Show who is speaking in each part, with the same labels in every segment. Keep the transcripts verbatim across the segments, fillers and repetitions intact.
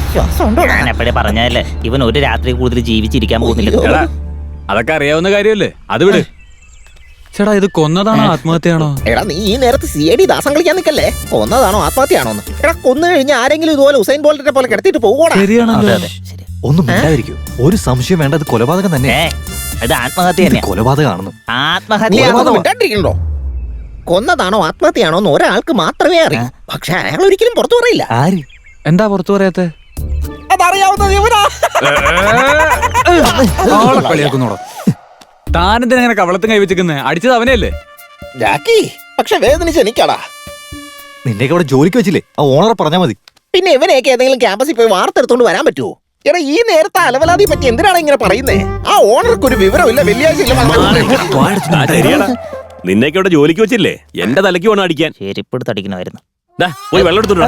Speaker 1: ഞാൻ എപ്പോഴേ പറഞ്ഞതല്ലേ ഇവൻ ഒരു രാത്രി കൂടുതൽ ജീവിച്ചിരിക്കാൻ പോകുന്നില്ല.
Speaker 2: അതൊക്കെ അറിയാവുന്ന കാര്യമല്ലേ, അത് വിട്. ചേട്ടാ ഇത് കൊന്നതാണോ ആത്മഹത്യയാണോ?
Speaker 3: എടാ നീ ഈ നേരത്ത് സി ഐ ഡി ദാസം കളിക്കാൻ നിൽക്കല്ലേ. കൊന്നതാണോ ആത്മഹത്യയാണോന്ന്? എടാ കൊന്നു കഴിഞ്ഞാൽ ആരെങ്കിലും ഇതുപോലെ ഉസൈൻ ബോൾട്ടിനെ പോലെ കിടത്തിട്ട് പോകൂടാ.
Speaker 4: ഒന്നും മിണ്ടാതിരിക്കൂ. ഒരു സംശയം വേണ്ട, അത് കൊലപാതകം തന്നെ.
Speaker 1: ഇത് ആത്മഹത്യ തന്നെ.
Speaker 4: കൊലപാതകമാണെന്ന്.
Speaker 3: ആത്മഹത്യ കൊന്നതാണോ ആത്മഹത്യയാണോ എന്ന് ഒരാൾക്ക് മാത്രമേ അറിയൂ. പക്ഷെ അയാൾ ഒരിക്കലും പുറത്തു പറയില്ല.
Speaker 4: ആര്?
Speaker 2: എന്താ പുറത്തു പറയാത്തെ?
Speaker 3: അതറിയാവുന്നത് ഇവനാ.
Speaker 2: കളിയാക്കുന്നോടോ താനെന്തിനെ കവളത്തും കൈവച്ചിരിക്കുന്നേ? അടിച്ചത് അവനെയല്ലേ?
Speaker 3: ജാക്കി പക്ഷെ വേദനിച്ച് എനിക്കാടാ.
Speaker 4: നിന്നെയൊക്കെ അവിടെ ജോലിക്ക് വെച്ചില്ലേ, ആ ഓണറെ പറഞ്ഞാ മതി.
Speaker 3: പിന്നെ ഇവനെയൊക്കെ ഏതെങ്കിലും ക്യാമ്പസിൽ പോയി വാർത്തെടുത്തോണ്ട് വരാൻ പറ്റുമോ? എടാ ഈ നേരത്തെ അലവലാതി പറ്റി എന്തിനാണ് ഇങ്ങനെ പറയുന്നേ? ആ ഓണർക്ക് ഒരു വിവരമില്ല. വെള്ളിയാഴ്ച
Speaker 5: നിന്നെയൊക്കെ അവിടെ ജോലിക്ക് വെച്ചില്ലേ, എന്റെ തലയ്ക്ക് വേണം അടിക്കാൻ.
Speaker 1: ചെരിപ്പെടുത്ത് അടിക്കണമായിരുന്നു.
Speaker 5: പോയി വെള്ളം എടുത്തോളൂ.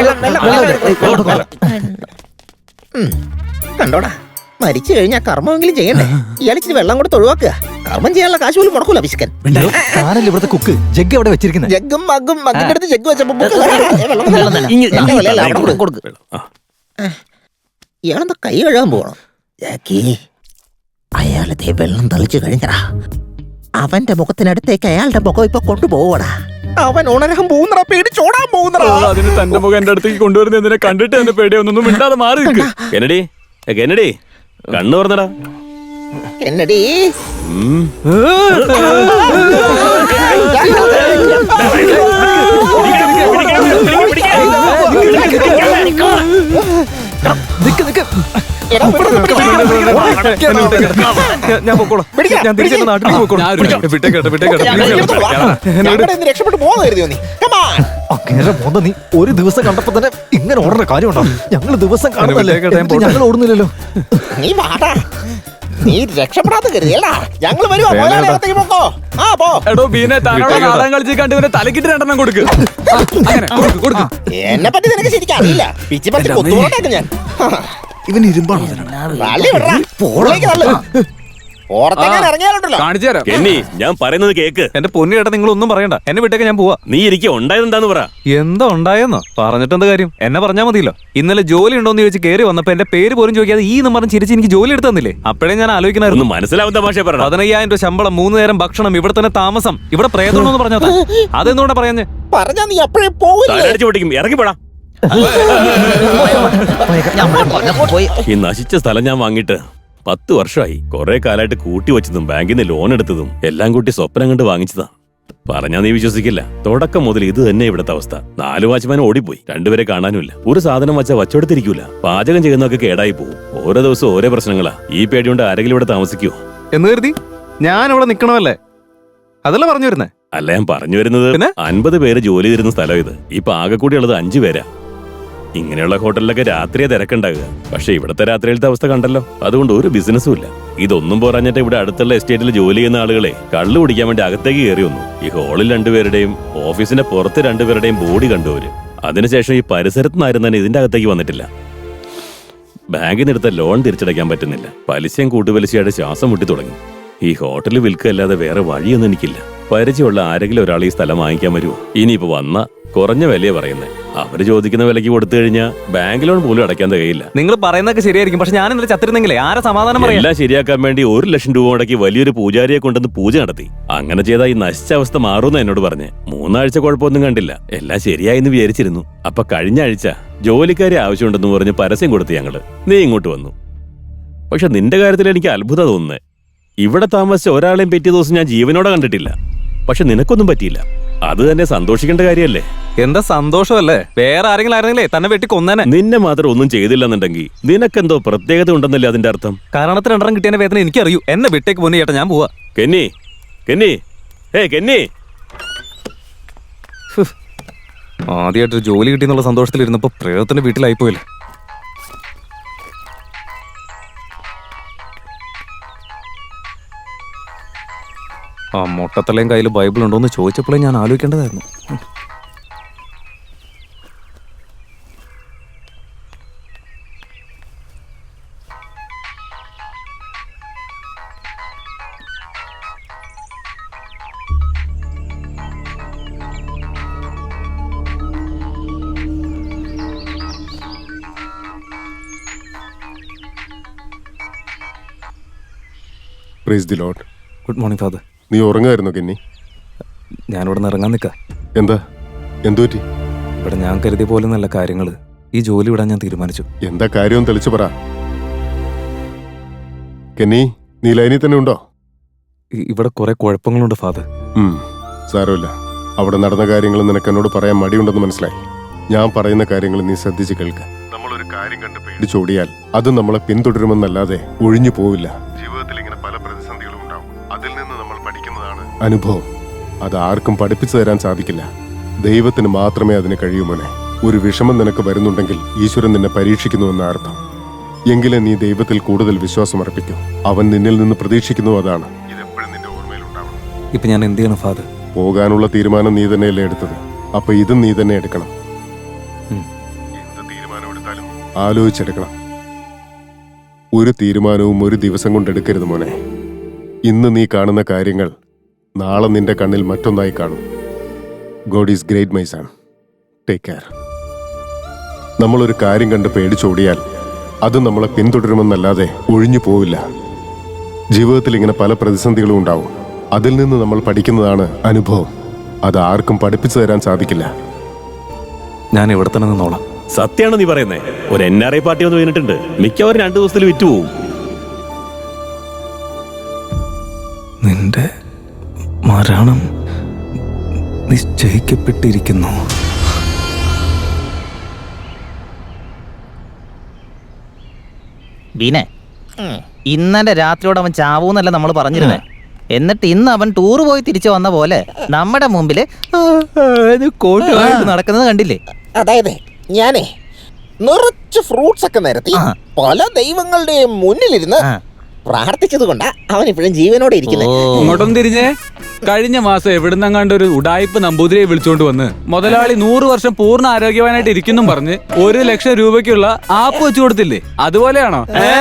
Speaker 3: കണ്ടോടാ, മരിച്ചു കഴിഞ്ഞാൽ കർമ്മമെങ്കിലും ചെയ്യണ്ടേ? ഇയാളിച്ചിരി വെള്ളം കൊടുത്ത് ഒഴിവാക്കുക. കർമ്മം ചെയ്യാനുള്ള കാശ് പോലും മുടക്കൂല പിശുക്കൻ.
Speaker 4: ഞാനല്ലേ ഇവിടുത്തെ കുക്ക്. ജഗ് അവിടെ വെച്ചിരിക്കുന്നത്.
Speaker 3: ജഗ്ഗും മഗ്ഗും മഗ്ഗിന്റെ അടുത്ത് ജഗ് വെച്ചപ്പോ ഇയാളെന്താ കൈ കഴുകാൻ പോകണം? ജാക്കി അയാളത്തെ വെള്ളം തളിച്ചു കഴിഞ്ഞടാ. അവന്റെ മുഖത്തിനടുത്തേക്ക് അയാളുടെ മുഖം ഇപ്പൊ കൊണ്ടുപോവടാ. അവൻ ഉണരാൻ പോകുന്നടാ, പേടിച്ചോടാൻ പോകുന്നടാ.
Speaker 2: അതിന് തന്റെ മുഖം എന്റെ അടുത്തേക്ക് കൊണ്ടുവരുന്നതിനെ കണ്ടിട്ട് എന്റെ പേടിയൊന്നും മിണ്ടാതെ മാറി നിൽക്ക്.
Speaker 5: കെന്നഡി കെന്നഡി കണ്ണു പറഞ്ഞടാ.
Speaker 3: കെന്നഡി
Speaker 4: ഞാൻ പൊക്കോളാം. ഞാൻ തിരിച്ചു നാട്ടിലേക്ക് പൊക്കോളാം.
Speaker 3: രക്ഷപ്പെട്ടു പോകുന്നു നീ.
Speaker 4: നീ ഒരു ദിവസം കണ്ടപ്പോ തന്നെ ഇങ്ങനെ ഓടുന്ന കാര്യമുണ്ടോ? ഞങ്ങള് ദിവസം കാണുന്നല്ലേ, ഞങ്ങൾ ഓടുന്നില്ലല്ലോ.
Speaker 3: നീ വാടാ, നീ രക്ഷപ്പെടാത്ത കരുതിയല്ല. ഞങ്ങൾ വരുവാ.
Speaker 2: തലക്കിട്ട് രണ്ടെണ്ണം കൊടുക്ക്.
Speaker 3: എന്നെ പറ്റി നിനക്ക് ശരിക്കും അറിയില്ല. പിച്ചി പറ്റി കൊത്തുകൊണ്ടേക്ക് ഞാൻ.
Speaker 4: ഇവൻ ഇരുമ്പാണോ?
Speaker 5: ഞാൻ പറയുന്നത് കേക്ക്.
Speaker 4: എന്റെ പൊന്നു ചേട്ടാ, നിങ്ങൾ ഒന്നും പറയണ്ട. എന്നെ വിട്ടേക്ക്, ഞാൻ പോവാ.
Speaker 5: നീ ഇരിക്കുക. ഉണ്ടായതെന്താന്ന് പറ.
Speaker 4: എന്താ ഉണ്ടായെന്നോ? പറഞ്ഞിട്ട് എന്താ കാര്യം? എന്നെ പറഞ്ഞാൽ മതിയല്ലോ. ഇന്നലെ ജോലി ഉണ്ടോന്ന് ചോദിച്ച് കയറി വന്നപ്പോ എന്റെ പേര് പോലും ചോദിക്കാതെ ഈ നമ്പറും ചിരിച്ച് എനിക്ക് ജോലി എടുത്ത് തന്നില്ലേ? അപ്പോഴേ ഞാൻ ആലോചിക്കണായിരുന്നു.
Speaker 5: മനസ്സിലാവുന്ന ഭാഷ പറ.
Speaker 4: പതിനയ്യായിരം രൂപ ശമ്പളം, മൂന്ന് നേരം ഭക്ഷണം, ഇവിടെ തന്നെ താമസം, ഇവിടെ പ്രേതമാണെന്ന് പറഞ്ഞാ അതെന്തുകൊണ്ടാ പറയാഞ്ഞേ?
Speaker 3: പറഞ്ഞാ നീ എപ്പോഴും പോകില്ലേ?
Speaker 5: ഇറങ്ങി പോടാ. ഈ നശിച്ച സ്ഥലം ഞാൻ വാങ്ങിയിട്ട് പത്ത് വർഷമായി. കുറെ കാലമായിട്ട് കൂട്ടി വെച്ചതും ബാങ്കിൽ നിന്ന് ലോൺ എടുത്തതും എല്ലാം കൂട്ടി സ്വപ്നം കണ്ട് വാങ്ങിച്ചതാ. പറഞ്ഞാ നീ വിശ്വസിക്കില്ല. തുടക്കം മുതൽ ഇത് തന്നെ ഇവിടുത്തെ അവസ്ഥ. നാല് വാച്ച്മാൻ ഓടിപ്പോയി, രണ്ടുപേരെ കാണാനുമില്ല. ഒരു സാധനം വച്ചാൽ വച്ചെടുത്തിരിക്കൂല. പാചകം ചെയ്യുന്നതൊക്കെ കേടായി പോകും. ഓരോ ദിവസം ഓരോ പ്രശ്നങ്ങളാ. ഈ പേടികൊണ്ട് ആരെങ്കിലും ഇവിടെ താമസിക്കുവോ
Speaker 4: എന്ന് കരുതി ഞാൻ ഇവിടെ നിക്കണമല്ലേ? അതല്ല പറഞ്ഞു വരുന്നേ.
Speaker 5: അല്ല, ഞാൻ പറഞ്ഞു വരുന്നത് അൻപത് പേര് ജോലി തരുന്ന സ്ഥലം ഇത്. ഇപ്പൊ ആകെ കൂടി ഉള്ളത് അഞ്ചു പേരാ. ഇങ്ങനെയുള്ള ഹോട്ടലിലൊക്കെ രാത്രിയെ തിരക്കുണ്ടാകുക. പക്ഷെ ഇവിടുത്തെ രാത്രിയിലത്തെ അവസ്ഥ കണ്ടല്ലോ. അതുകൊണ്ട് ഒരു ബിസിനസ്സും ഇല്ല. ഇതൊന്നും പോരാഞ്ഞിട്ട് ഇവിടെ അടുത്തുള്ള എസ്റ്റേറ്റിൽ ജോലി ചെയ്യുന്ന ആളുകളെ കള്ളു കുടിക്കാൻ വേണ്ടി അകത്തേക്ക് കയറി വന്നു. ഈ ഹോളിൽ രണ്ടുപേരുടെയും ഓഫീസിന്റെ പുറത്ത് രണ്ടുപേരുടെയും ബോഡി കണ്ടുവരും. അതിനുശേഷം ഈ പരിസരത്ത് നിന്നാരും തന്നെ ഇതിന്റെ അകത്തേക്ക് വന്നിട്ടില്ല. ബാങ്കിൽ നിന്ന് എടുത്ത ലോൺ തിരിച്ചടയ്ക്കാൻ പറ്റുന്നില്ല. പലിശയും കൂട്ടുപലിശയുടെ ശ്വാസം മുട്ടി തുടങ്ങി. ഈ ഹോട്ടലിൽ വിൽക്കല്ലാതെ വേറെ വഴിയൊന്നും എനിക്കില്ല. പരിചയമുള്ള ആരെങ്കിലും ഒരാൾ ഈ സ്ഥലം വാങ്ങിക്കാൻ വരുമോ? ഇനിയിപ്പോ വന്ന കുറഞ്ഞ വിലയെ പറയുന്നത്. അവര് ചോദിക്കുന്ന വിലക്ക് കൊടുത്തു കഴിഞ്ഞാൽ ബാങ്ക് ലോൺ പോലും അടയ്ക്കാൻ തികയില്ല.
Speaker 4: നിങ്ങൾ പറയുന്നതൊക്കെ ശരിയായിരിക്കും. പക്ഷെ ഞാൻ ഇന്നലെ ചത്തിരുന്നെങ്കിലേ ആരെ സമാധാനം പറയാം?
Speaker 5: എല്ലാം ശരിയാക്കാൻ വേണ്ടി ഒരു ലക്ഷം രൂപ മുടക്കി വലിയൊരു പൂജാരിയെ കൊണ്ടുവന്ന് പൂജ നടത്തി. അങ്ങനെ ചെയ്താൽ ഈ നശിച്ച അവസ്ഥ മാറുമെന്ന് എന്നോട് പറഞ്ഞ്. മൂന്നാഴ്ച കുഴപ്പമൊന്നും കണ്ടില്ല. എല്ലാം ശരിയായെന്ന് വിചാരിച്ചിരുന്നു. അപ്പൊ കഴിഞ്ഞ ആഴ്ച ജോലിക്കാരെ ആവശ്യമുണ്ടെന്ന് പറഞ്ഞ് പരസ്യം കൊടുത്ത് ഞങ്ങള് നീ ഇങ്ങോട്ട് വന്നു. പക്ഷെ നിന്റെ കാര്യത്തിൽ എനിക്ക് അത്ഭുതം തോന്നുന്നേ. ഇവിടെ താമസിച്ച ഒരാളെയും പറ്റിയ ദിവസം ഞാൻ ജീവനോടെ കണ്ടിട്ടില്ല. പക്ഷെ നിനക്കൊന്നും പറ്റിയില്ല. അത് തന്നെ സന്തോഷിക്കേണ്ട കാര്യമല്ലേ?
Speaker 4: എന്താ സന്തോഷമല്ലേ? വേറെ ആരെങ്കിലും ആയിരുന്നെങ്കിലേ തന്നെ വെട്ടി കൊന്നേനെ.
Speaker 5: നിന്നെ മാത്രം ഒന്നും ചെയ്തില്ലെന്നുണ്ടെങ്കിൽ നിനക്കെന്തോ പ്രത്യേകത ഉണ്ടെന്നല്ലേ അതിന്റെ അർത്ഥം?
Speaker 4: കാരണത്തിന് രണ്ടെണ്ണം കിട്ടിയ വേദന എനിക്കറിയൂ. എന്നെ വിട്ടേക്ക് പോന്നു ചേട്ടാ, ഞാൻ പോവാ.
Speaker 5: കെന്നി കെന്നി ഏ കെന്നി
Speaker 4: ആദ്യമായിട്ട് ജോലി കിട്ടിയെന്നുള്ള സന്തോഷത്തിലിരുന്നപ്പോ പ്രേതത്തിന്റെ വീട്ടിലായിപ്പോയില്ലേ. ആ മൊട്ടത്തലയും കയ്യിൽ ബൈബിൾ ഉണ്ടോന്ന് ചോദിച്ചപ്പോഴേ ഞാൻ ആലോചിക്കേണ്ടതായിരുന്നു.
Speaker 6: Praise the lord.
Speaker 4: Good morning father.
Speaker 6: നീ ഉറങ്ങായിരുന്നു കെന്നി?
Speaker 4: ഞാനിവിടെ നിന്ന് ഇറങ്ങാൻ നിൽക്കാം.
Speaker 6: എന്താ എന്തു പറ്റി?
Speaker 4: ഇവിടെ ഞാൻ കരുതിയ പോലെ നല്ല കാര്യങ്ങൾ ഈ ജോലി വിടാൻ ഞാൻ തീരുമാനിച്ചു.
Speaker 6: എന്താ കാര്യം തെളിച്ചു പറ കെന്നി. നീ ലൈനിൽ തന്നെ ഉണ്ടോ?
Speaker 4: ഇ- ഇവിടെ കുറെ കുഴപ്പങ്ങളുണ്ട് ഫാദർ.
Speaker 6: ഉം, സാരമില്ല. അവിടെ നടന്ന കാര്യങ്ങൾ നിനക്ക് എന്നോട് പറയാൻ മടിയുണ്ടെന്ന് മനസ്സിലായി. ഞാൻ പറയുന്ന കാര്യങ്ങൾ നീ ശ്രദ്ധിച്ച് കേൾക്ക. നമ്മളൊരു കാര്യം കണ്ട് പേടിച്ചോടിയാൽ അത് നമ്മളെ പിന്തുടരുമെന്നല്ലാതെ ഒഴിഞ്ഞു പോവില്ല. ജീവിതത്തിൽ ഇങ്ങനെ പല പ്രതിസന്ധികളും ഉണ്ടാവും. അതിൽ നിന്ന് നമ്മൾ പഠിക്കുന്നതാണ് അനുഭവം. അത് ആർക്കും പഠിപ്പിച്ചു തരാൻ സാധിക്കില്ല. ദൈവത്തിന് മാത്രമേ അതിന് കഴിയൂ മോനെ. ഒരു വിഷമം നിനക്ക് വരുന്നുണ്ടെങ്കിൽ ഈശ്വരൻ നിന്നെ പരീക്ഷിക്കുന്നുവെന്ന അർത്ഥം. എങ്കിലേ നീ ദൈവത്തിൽ കൂടുതൽ വിശ്വാസം അർപ്പിക്കൂ. അവൻ നിന്നിൽ നിന്ന് പ്രതീക്ഷിക്കുന്നു അതാണ്. ഇതെപ്പോഴും നിന്റെ ഓർമ്മയിലുണ്ടാവണം.
Speaker 4: ഇപ്പൊ ഞാൻ എന്ത് ചെയ്യണം ഫാദർ?
Speaker 6: പോകാനുള്ള തീരുമാനം നീ തന്നെയല്ലേ എടുത്തത്? അപ്പൊ ഇതും നീ തന്നെ എടുക്കണം.
Speaker 4: ഉം.
Speaker 6: എന്ത് തീരുമാനം എടുത്താലും ആലോചിച്ചെടുക്കണം. ഒരു തീരുമാനവും ഒരു ദിവസം കൊണ്ട് എടുക്കരുത് മോനെ. ഇന്ന് നീ കാണുന്ന കാര്യങ്ങൾ നാളെ നിന്റെ കണ്ണിൽ മറ്റൊന്നായി കാണും. God is great my son. Take care. നമ്മളൊരു കാര്യം കണ്ട് പേടിച്ചോടിയാൽ അത് നമ്മളെ പിന്തുടരുമെന്നല്ലാതെ ഒഴിഞ്ഞു പോവില്ല. ജീവിതത്തിൽ ഇങ്ങനെ പല പ്രതിസന്ധികളും ഉണ്ടാവും. അതിൽ നിന്ന് നമ്മൾ പഠിക്കുന്നതാണ് അനുഭവം. അത് ആർക്കും പഠിപ്പിച്ചു തരാൻ സാധിക്കില്ല.
Speaker 4: ഞാൻ ഇവിടെ തന്നെ നിന്നോളാം.
Speaker 5: സത്യമാണോ നീ പറയുന്നേ? ഒരു എൻ ആർ ഐ പാർട്ടി വന്ന് വീണിട്ടുണ്ട്. മിക്കവാറും രണ്ടു ദിവസത്തിൽ വിറ്റുപോകും.
Speaker 4: നിന്റെ മരണം നിശ്ചയിക്കപ്പെട്ടിരിക്കുന്നു.
Speaker 1: ബീനെ, ഇന്നലെ രാത്രിയോട് അവൻ ചാവൂന്നല്ല നമ്മൾ പറഞ്ഞിരുന്നേ. എന്നിട്ട് ഇന്ന് അവൻ ടൂർ പോയി തിരിച്ചു വന്ന പോലെ നമ്മുടെ മുമ്പില് കോട്ടുമായിട്ട് നടക്കുന്നത് കണ്ടില്ലേ?
Speaker 3: അതായത് ഞാനേ നിറച്ച് ഫ്രൂട്ട്സ് ഒക്കെ നിരത്തി
Speaker 1: ആ.
Speaker 3: പല ദൈവങ്ങളുടെയും മുന്നിലിരുന്ന്
Speaker 1: ആ.
Speaker 3: പ്രാർത്ഥിച്ചത് കൊണ്ടാ അവൻ ഇപ്പോഴും ജീവനോടെ ഇരിക്കുന്നത്.
Speaker 1: ഓ.
Speaker 2: ഇങ്ങോട്ടൊന്നും തിരിഞ്ഞേ. കഴിഞ്ഞ മാസം എവിടുന്നെങ്ങാണ്ട് ഒരു ഉടായിപ്പ് നമ്പൂതിരിയെ വിളിച്ചോണ്ട് വന്ന് മുതലാളി നൂറ് വർഷം പൂർണ്ണ ആരോഗ്യവാനായിട്ട് ഇരിക്കുന്നും പറഞ്ഞ് ഒരു ലക്ഷം രൂപയ്ക്കുള്ള ആപ്പ് വെച്ചു കൊടുത്തില്ലേ? അതുപോലെയാണോ?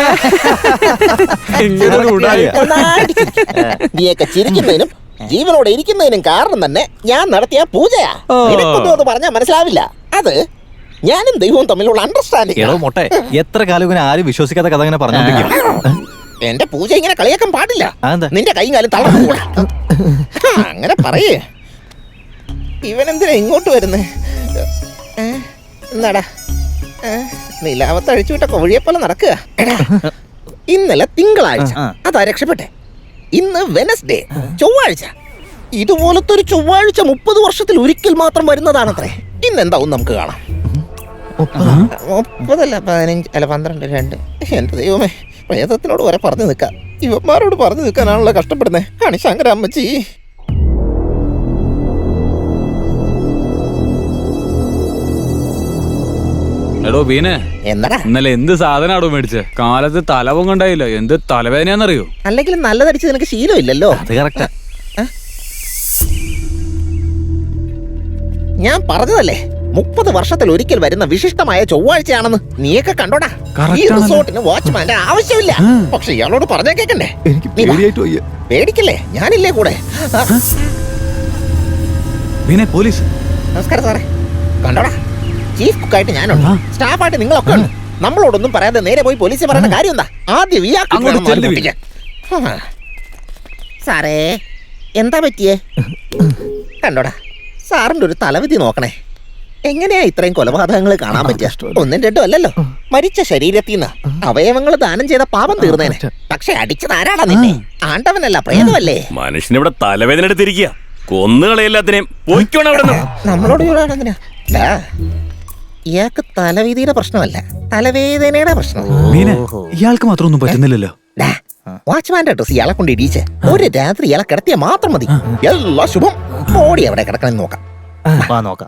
Speaker 2: ഇങ്ങനൊരു ഉടായിപ്പ്.
Speaker 3: നന്നായിട്ട് ചിരിക്ക്. നീയൊക്കെ ചിരിക്കുന്നതിനും ജീവനോടെ ഇരിക്കുന്നതിനും കാരണം തന്നെ ഞാൻ നടത്തിയ പൂജയാ.
Speaker 2: ഓ.
Speaker 3: നിനക്കൊന്നും അത് പറഞ്ഞാൽ മനസ്സിലാവില്ല. അത് ഞാനും ദൈവവും തമ്മിലുള്ള അണ്ടർസ്റ്റാൻഡിംഗ്.
Speaker 7: എടോ മൊട്ടെ, എത്ര കാലം ഇങ്ങനെ ആരും വിശ്വസിക്കാത്ത കഥ ഇങ്ങനെ പറഞ്ഞോണ്ടിരിക്കും.
Speaker 3: എന്റെ പൂജ ഇങ്ങനെ കളിയാക്കാൻ പാടില്ല.
Speaker 7: അതെന്താ?
Speaker 3: നിന്റെ കൈയും കാലും തളർന്നു കൂടാ. അങ്ങനെ പറയേ. ഇവനെന്തിനാ ഇങ്ങോട്ട് വരുന്നേ? ഏ? എന്നാടാ ഏ? നിലാവത്ത് അഴിച്ചുവിട്ട കോഴിയെ പോലെ നടക്കുക. എടാ, ഇന്നലെ തിങ്കളാഴ്ച,
Speaker 1: ആ.
Speaker 3: അതാ രക്ഷപ്പെട്ടെ. ഇന്ന് വെനസ്ഡേ, ചൊവ്വാഴ്ച. ഇതുപോലത്തെ ഒരു ചൊവ്വാഴ്ച മുപ്പത് വർഷത്തിൽ ഒരിക്കൽ മാത്രം വരുന്നതാണത്രേ. ഇന്നെന്താവും നമുക്ക് കാണാം. മുപ്പതല്ല പതിനഞ്ച് അല്ല പന്ത്രണ്ട് രണ്ട്. എന്റെ ദൈവമേ, പ്രേതത്തിനോട് വരെ പറഞ്ഞു നിൽക്കാം. ഇവന്മാരോട് പറഞ്ഞു നിൽക്കാനാണല്ലോ കഷ്ടപ്പെടുന്നേ. ആണ് ശങ്കര അമ്മച്ചി.
Speaker 2: എടോ ബീനെ,
Speaker 3: എന്നടാ?
Speaker 2: ഇന്നലെ എന്ത് സാധനാടോ മേടിച്ചേ? കാലത്ത് തലവും കണ്ടായില്ല. എന്ത് തലവേദനയാന്നറിയോ?
Speaker 3: അല്ലെങ്കിൽ നല്ലതടിച്ച് നിനക്ക് ശീലമില്ലല്ലോ.
Speaker 7: അത് കറക്റ്റാ.
Speaker 3: ഞാൻ പറഞ്ഞതല്ലേ, മുപ്പത് വർഷത്തിൽ ഒരിക്കൽ വരുന്ന വിശിഷ്ടമായ ചൊവ്വാഴ്ചയാണെന്ന്. നീയൊക്കെ കണ്ടോടാ. ഈ റിസോർട്ടിന് വാച്ച്മാന്റെ ആവശ്യമില്ല. പക്ഷെ ഇയാളോട് പറഞ്ഞാ കേക്കണ്ടേ?
Speaker 7: എനിക്ക്
Speaker 3: നീ വാ.
Speaker 7: പേടിയായിട്ട് വയ്യ.
Speaker 3: പേടിക്കല്ലേ, ഞാനില്ലേ കൂടെ. ആ,
Speaker 2: ബീനെ, പോലീസ്.
Speaker 3: നമസ്കാരം സാറേ. കണ്ടോടാ, ചീഫ് കുക്കായിട്ട് ഞാനുണ്ട്, സ്റ്റാഫായിട്ട് നിങ്ങളൊക്കെ ഉണ്ട്. നമ്മളോടൊന്നും പറയാതെ നേരെ പോയി പോലീസിൽ പറയേണ്ട കാര്യം എന്താ? ആദ്യം ഇയാൾക്ക്
Speaker 2: അങ്ങോട്ട്
Speaker 3: വേണം
Speaker 2: ചെല്ല്
Speaker 3: മാറി ആ. സാറേ, എന്താ പറ്റിയേ? കണ്ടോടാ, സാറിന്റെ ഒരു തലവിധി നോക്കണേ. എങ്ങനെയാ ഇത്രയും കൊലപാതകങ്ങൾ കാണാൻ പറ്റിയ? ഒന്നും രണ്ടും അല്ലല്ലോ. മരിച്ച ശരീരത്തിൽ നിന്ന് അവയവങ്ങൾ ദാനം ചെയ്ത പാപം തീർന്നേനെ. പക്ഷെ അടിച്ചത് ആരാടാ നിന്നെ? ആണ്ടവനല്ല, പ്രേതമല്ലേ?
Speaker 5: മനുഷ്യനിവിടെ തലവേദന എടുത്തിരിക്കുക. കൊന്നുകളയെല്ലാത്തിനെയും പോയിക്കോണം അവിടെ നിന്ന്.
Speaker 3: നമ്മളോട് ചോടാണെന്തിനാ? ഇയാൾക്ക് തലവേദിയുടെ പ്രശ്നമല്ല, തലവേദനയുടെ പ്രശ്നം.
Speaker 2: ബീനെ, ഇയാൾക്ക് മാത്രം ഒന്നും പറ്റുന്നില്ലല്ലോ.
Speaker 3: ഡാ, വാച്ച്മാന്റെ ഡ്രസ് ഇയാളെ കൊണ്ട് ഇടിച്ച് ഒരു രാത്രി ഇയാളെ കിടത്തിയ മാത്രം മതി. എല്ലാ ശുഭം. ഓടി എവിടെ കിടക്കണം നോക്കാം.
Speaker 1: വാ നോക്കാം.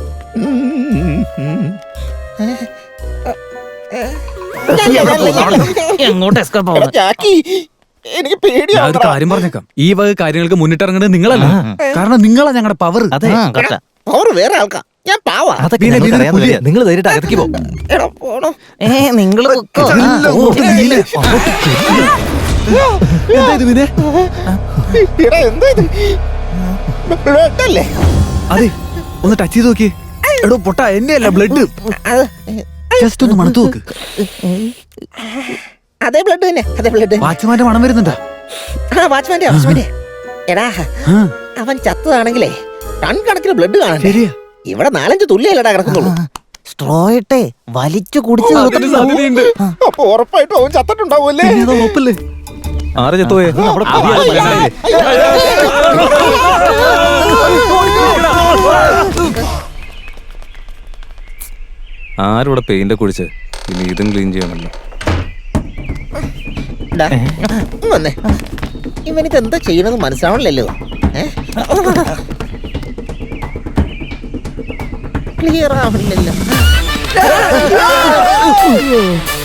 Speaker 1: എങ്ങോട്ട് എസ്കേപ്പ്
Speaker 3: എടാ, ജാക്കി, എനിക്ക്
Speaker 2: ഞാൻ ഒരു
Speaker 3: പേടിയാവുന്നു.
Speaker 2: കാര്യം പറഞ്ഞേക്കാം. ഈ വക കാര്യങ്ങൾക്ക് മുന്നിട്ടിറങ്ങേണ്ടത് നിങ്ങളല്ല. കാരണം നിങ്ങളാ ഞങ്ങളുടെ പവർ.
Speaker 7: അതെ,
Speaker 1: ആ, കറക്റ്റാ.
Speaker 3: പവർ വേറെ ആൾക്കാ, ഞാൻ പാവാ.
Speaker 7: അതൊക്കെ
Speaker 2: ബീനെ,
Speaker 7: ഞങ്ങൾക്ക്
Speaker 2: ബീനെ,
Speaker 7: അറിയാവുന്ന
Speaker 2: പുലിയാ.
Speaker 7: കാര്യാ. നിങ്ങൾ ധൈര്യമായിട്ട് അകത്തേക്ക് പോ.
Speaker 3: എടാ, പോണോ?
Speaker 1: ഏ നിങ്ങള് പൊക്കോ. ആ.
Speaker 2: എന്താ ഇത് ബീനെ?
Speaker 3: എടാ, എന്താ ഇത്? ബ്ലഡ് അല്ലേ?
Speaker 2: അതെ, ഒന്ന് ടച്ച് ചെയ്ത് നോക്കി. എടോ പൊട്ട, എന്റെ അല്ല ബ്ലഡ്.
Speaker 3: അത്
Speaker 2: ജസ്റ്റ് ഒന്ന് മണത്ത് നോക്ക്.
Speaker 3: അതേ ബ്ലഡ് തന്നെ, അതേ ബ്ലഡ്.
Speaker 2: വാച്ച്മാന്റെ മണം വരുന്നുണ്ടാ?
Speaker 3: ആ വാച്ച്മാന്റെ വാച്ച്മാന്റെ എടാ അവൻ ചത്തതാണെങ്കിലേ ടൺ കണക്കിന് ബ്ലഡ് കാണാൻ ഇവിടെ നാലഞ്ച് തുള്ളിയല്ലടാ കിടക്കുന്നുള്ളൂ.
Speaker 1: സ്ട്രോ ഇട്ടേ വലിച്ചു കുടിച്ചു
Speaker 2: അതിന് സാധ്യതയുണ്ട്.
Speaker 3: അപ്പൊ ഉറപ്പായിട്ടും അവൻ ചത്തിട്ടുണ്ടാവൂല്ലേ?
Speaker 7: ഉറപ്പല്ലേ?
Speaker 4: ആരെ ചത്തുപോയെ ആരിവിടെ പെയിന്റ് കുടിച്ച് ഇനി ഇതും ക്ലീൻ ചെയ്യണല്ലോ.
Speaker 3: ഡാ, ഇങ്ങ് വന്നേ. ഇവനിത് എന്താ ചെയ്യണമെന്ന് മനസ്സിലാവണില്ലല്ലോ. ക്ലിയർ ആവണില്ലല്ലോ.